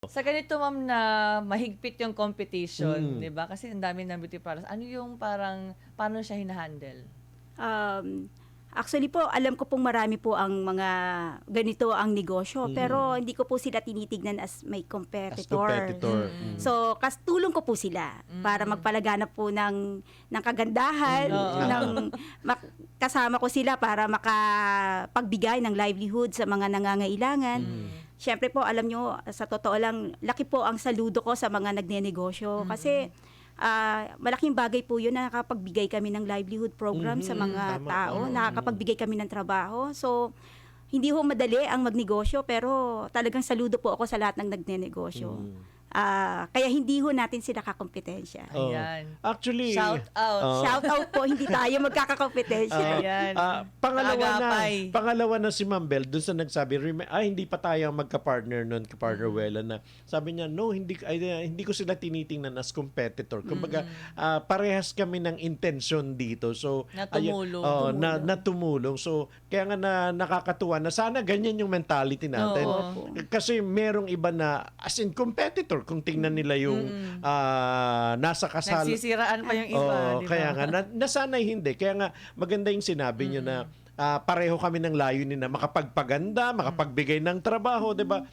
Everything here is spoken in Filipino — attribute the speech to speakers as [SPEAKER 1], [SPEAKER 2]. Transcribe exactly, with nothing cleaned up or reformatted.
[SPEAKER 1] Sa ganito ma'am na mahigpit yung competition,
[SPEAKER 2] Mm.
[SPEAKER 1] 'di ba? Kasi ang dami ng beauty products. Ano yung parang paano siya hina-handle?
[SPEAKER 3] Um, actually po, alam ko pong marami po ang mga ganito ang negosyo,
[SPEAKER 2] Mm.
[SPEAKER 3] pero hindi ko po sila tinitignan as may
[SPEAKER 2] As
[SPEAKER 3] competitor.
[SPEAKER 2] competitor.
[SPEAKER 1] Mm.
[SPEAKER 2] Mm.
[SPEAKER 3] So, kas tulong ko po sila para
[SPEAKER 1] Mm.
[SPEAKER 3] magpalaganap po ng ng kagandahan,
[SPEAKER 2] Mm.
[SPEAKER 1] Oo.
[SPEAKER 3] ng mak- kasama ko sila para makapagbigay ng livelihood sa mga nangangailangan.
[SPEAKER 2] Mm.
[SPEAKER 3] Siyempre po, alam nyo, sa totoo lang, laki po ang saludo ko sa mga nagnenegosyo. Kasi ah, malaking bagay po yun na nakapagbigay kami ng livelihood program sa
[SPEAKER 2] Mhm.
[SPEAKER 3] mga
[SPEAKER 2] Tama.
[SPEAKER 3] tao,
[SPEAKER 2] Oo.
[SPEAKER 3] nakakapagbigay kami ng trabaho. So, hindi ho madali ang magnegosyo, pero talagang saludo po ako sa lahat ng nagnenegosyo.
[SPEAKER 2] Mm.
[SPEAKER 3] Ah, kaya hindi ho natin sila kakompetensya.
[SPEAKER 2] Oo.
[SPEAKER 1] Ayan.
[SPEAKER 2] Actually,
[SPEAKER 1] Shout out.
[SPEAKER 2] Oo.
[SPEAKER 3] Shout out po, hindi tayo magkakakompetensya.
[SPEAKER 1] Ayan.
[SPEAKER 2] Ah, pangalawa na,
[SPEAKER 1] Kaagapay.
[SPEAKER 2] pangalawa na si Ma'am Bel dun sa nagsabi, rem- ay hindi pa tayo magka-partner noon, ka-partner
[SPEAKER 1] Mm.
[SPEAKER 2] Wela na. Sabi niya, no, hindi ay, uh, hindi ko sila tinitingnan as competitor. Kumbaga, ah, parehas kami ng intention dito. So,
[SPEAKER 1] Na
[SPEAKER 2] ayun,
[SPEAKER 1] tumulong.
[SPEAKER 2] oo, na,
[SPEAKER 3] Tumulong.
[SPEAKER 2] na tumulong. So, kaya nga na nakakatuwa na sana ganyan yung mentality natin.
[SPEAKER 1] Oo.
[SPEAKER 2] Kasi merong iba na as in competitor kung tingnan nila yung ah, nasa kasal.
[SPEAKER 1] Nagsisiraan pa yung iba,
[SPEAKER 2] Oo,
[SPEAKER 1] di ba?
[SPEAKER 2] kaya nga, na, nasanay hindi. Kaya nga, maganda yung sinabi nyo na ah, pareho kami ng layunin na makapagpaganda, makapagbigay ng trabaho, di ba?